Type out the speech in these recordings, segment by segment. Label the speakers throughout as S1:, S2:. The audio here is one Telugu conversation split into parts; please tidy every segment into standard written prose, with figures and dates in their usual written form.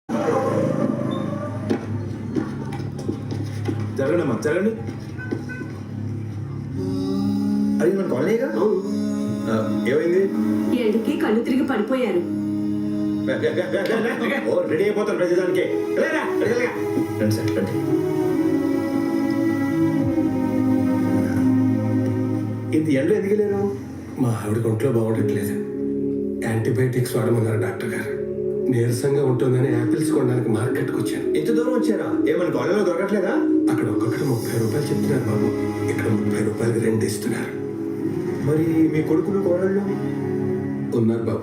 S1: జరగండి అమ్మా, జరగండి. అది మన కాలనీగా? ఏమైంది?
S2: ఎండకి కళ్ళు తిరిగి పడిపోయారు.
S1: రెడీ అయిపోతాను ప్రతిదానికి. రండి సార్, రండి. ఇంత ఎండలో ఎందుకు లేరు?
S3: మా ఆవిడ ఒంట్లో బాగుండట్లేదు. యాంటీబయాటిక్స్ వాడమన్నారు డాక్టర్ గారు. నీరసంగా ఉంటుందని యాపిల్స్ కొనడానికి మార్కెట్కి వచ్చాను.
S1: ఇంత దూరం వచ్చారా? ఏమన్నా కాలనీలో దొరకట్లేదా?
S3: అక్కడ ఒక్కొక్కటి 30 రూపాయలు చెప్తున్నారు బాబు. ఇక్కడ 30 రూపాయలకి 2 ఇస్తున్నారు.
S1: మరి మీ కొడుకులు కోడళ్ళు
S3: ఉన్నారు బాబు.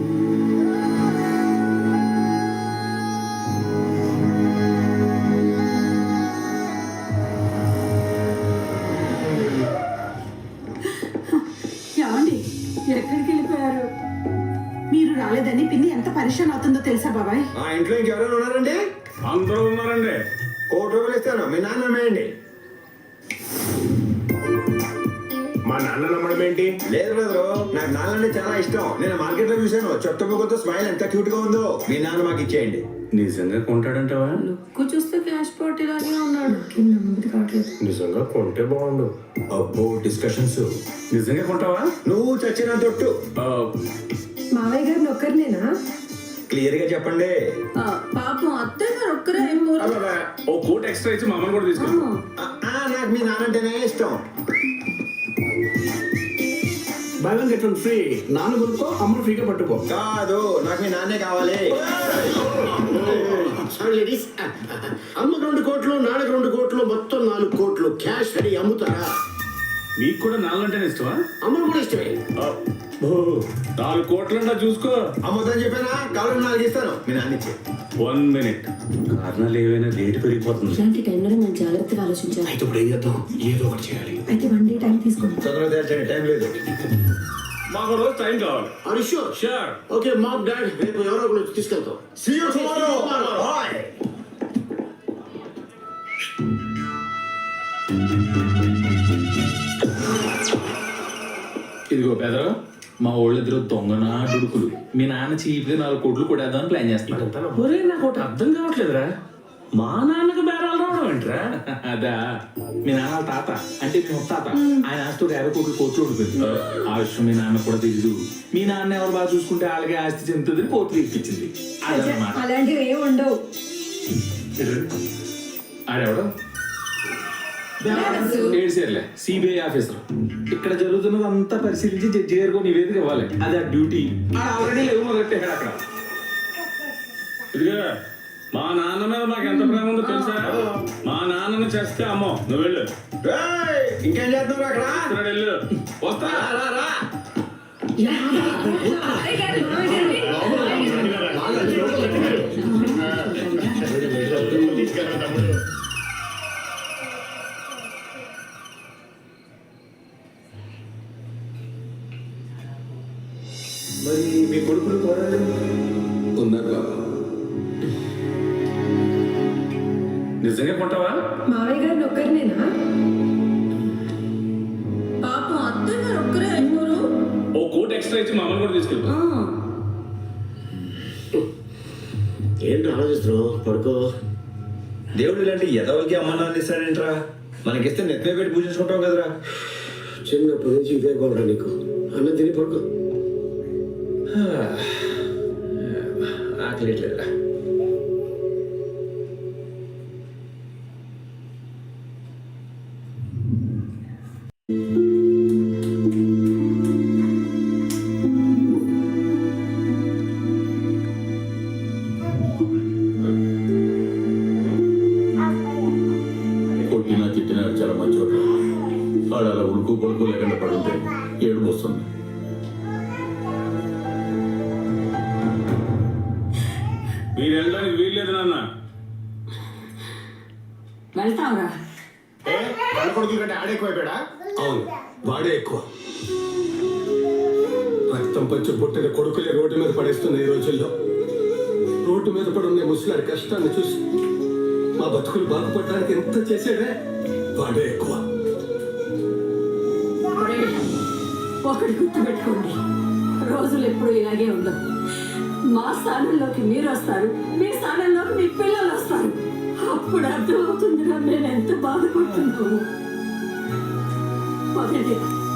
S2: ఏమండి, ఎక్కడికి వెళ్ళిపోయారు? మీరు రాలేదని పిన్ని ఎంత పరిశాన్ అవుతుందో తెలుసా బాబాయ్?
S1: ఆ ఇంట్లో ఇంకెవరైనా ఉన్నారండి?
S4: అందరూ ఉన్నారండి.
S1: 1 కోటి రూపాయలు ఇస్తాను, మీ నాన్న అమ్మేయండి.
S4: మా నాన్న నమ్మడం ఏంటి?
S1: లేదు బ్రదరు, నాకు నాన్న అంటే చాలా ఇష్టం. నేను మార్కెట్ లో చూశాను, చెత్త ముగ్గుతో స్మైల్ ఎంత క్యూట్ గా ఉందో. మీ నాన్న మాకు ఇచ్చేయండి.
S4: నిజంగా కొంటాడంటావా?
S2: లుక్ చూస్తే క్యాష్ పార్టీలాగే ఉన్నాడు. నమ్మది కావట్లేదు.
S4: నిజంగా కొంటే బాగుండు.
S1: అబ్బో డిస్కషన్స్.
S4: నిజంగా కొంటావా?
S1: నువ్వు చచ్చిన తొట్టు.
S2: మావయ్య గారిని ఒక్కరినేనా?
S1: క్లియర్ గా చెప్పండి.
S2: పాపం అత్తయ్య గారు ఒక్కరే ఏం
S4: అబ్బబ్బా, ఓ కోట్ ఎక్స్ట్రా ఇచ్చి మా అమ్మని కూడా తీసుకెళ్ళి.
S1: నాకు మీ నాన్న అంటేనే ఇష్టం.
S5: Buy one get one free. నాన్న కొనుక్కో, అమ్మను ఫ్రీగా పట్టుకో.
S1: కాదు, నాకు మీ నాన్నే కావాలి.
S5: సారీ లేడీస్, అమ్మకు 2 కోట్లు, నాన్నకు 2 కోట్లు, మొత్తం 4 కోట్లు క్యాష్ రెడీ. అమ్ముతారా?
S4: మీకు కూడా నాలంటేనే ఇష్టమా?
S5: అమ్మను కూడా ఇష్టమే.
S4: 4 కోట్లంటా చూసుకో.
S1: అమ్మొద్దని చెప్పానా? కావాలి 4 ఇస్తాను, మీ నాన్న ఇచ్చే.
S4: 1 మినిట్. కారణాలు ఏవైనా లేట్ పెరిగిపోతుంది.
S2: ఇలాంటి టైంలో నేను జాగ్రత్తగా ఆలోచించాను.
S5: అయితే ఇప్పుడు ఏం చేద్దాం? ఏదో ఒకటి చేయాలి.
S2: అయితే 1 డే టైం తీసుకోండి.
S1: తొందరగా తేల్చండి, టైం లేదు.
S4: మాకు రోజు టైం కావాలి.
S5: Are you sure?
S4: Sure.
S5: Okay mom dad, రేపు ఎవరో ఒకరు వచ్చి తీసుకెళ్తాం.
S1: See you tomorrow. Bye.
S6: ఇదిగో పెదరు, మా వాళ్ళిద్దరు దొంగనా డుడుకులు. మీ నాన్న చీప్గా 4 కోట్లు కొట్టేద్దామని ప్లాన్ చేస్తున్నారు.
S4: ఒరే, నాకు ఒకటి అర్థం కావట్లేదురా. మా నాన్నకు బేరాలు రావడం ఏంట్రా?
S6: అదా, మీ నాన్న వాళ్ళ తాత అంటే మీ ముత్తాత. ఆయన ఆస్తి 50 కోట్లు ఓడిపోయింది. ఆ విషయం మీ నాన్న కూడా తెలీదు. మీ నాన్న ఎవరు బాగా చూసుకుంటే వాళ్ళకి ఆస్తి చెందుతుందని కోట్లు ఇప్పించింది. అదన్నమాట.
S2: అలాంటివి ఏమి ఉండవు.
S6: ఆడెవడు ఏడ్చేర్లే, సిబిఐ ఆఫీసర్. ఇక్కడ జరుగుతున్నది అంతా పరిశీలించి జడ్జి గారికి నివేదిక ఇవ్వాలి. అది ఆ డ్యూటీ. ఆల్రెడీ లేవు మొదలెట్టాడు అక్కడ.
S4: ఇదిగా మా నాన్న మీద నాకు ఎంత ప్రేమ ఉందో తెలుసా? మా నాన్నను చేస్తే అమ్మో నువ్వు వెళ్ళు.
S1: ఏయ్, ఇంకేం చేస్తున్నారు అక్కడ?
S4: ఇక్కడ వెళ్ళు. వస్తా.
S1: రా, రా. మరి మీ కొడుకులు కోడళ్ళు
S3: ఉన్నారు బాబు.
S4: నిజంగా కొంటావా?
S2: మావయ్య గారిని ఒక్కరినేనా? పాపం అత్తయ్య గారు ఒక్కరే అయిపోరు.
S4: ఓ కోట్ ఎక్స్ట్రా ఇచ్చి మా అమ్మని కూడా తీసుకెళ్ళి.
S5: ఏంటి ఆలోచిస్తున్నావు? పడుకో.
S1: దేవుడు ఇలాంటి ఎదవలకి అమ్మ నాన్న ఇస్తాడేంట్రా? మనకిస్తే నెత్తిమే పెట్టి పూజించుకుంటాం కదరా.
S5: చిన్నప్పటి నుంచి ఇదే గోడ నీకు. అన్నం తిని పడుకో.
S1: ఆకలిట్లేదురా.
S7: కొట్టినా తిట్టినా చాలా మంచివాడు. వాడు అలా ఉడుకు కొడుకు లేకుండా పడుంటే ఏడుపు వస్తుంది.
S4: మీరు వెళ్ళడానికి వీల్లేదు నాన్న.
S2: వెళ్తావురా?
S5: కొడుకుల కంటే ఆడెక్కువైపోయాడా?
S3: అవును, వాడే ఎక్కువ. రక్తం పంచి పుట్టిన కొడుకులే రోడ్డు మీద పడేస్తున్న ఈ రోజుల్లో. రోడ్డు మీద పడున్న ముసలాడి కష్టాన్ని చూసి మా బతుకులు బాగుపడడానికి ఎంత చేసాడే, వాడే ఎక్కువ.
S2: ఒకటి గుర్తుపెట్టుకోండి, రోజులు ఎప్పుడు ఇలాగే ఉండవు. మా స్థానంలోకి మీరు వస్తారు, మీ స్థానంలో
S8: ఇప్పుడు అర్థమవుతుందిరా నేను ఎంత బాధపడుతున్నావు. పదండి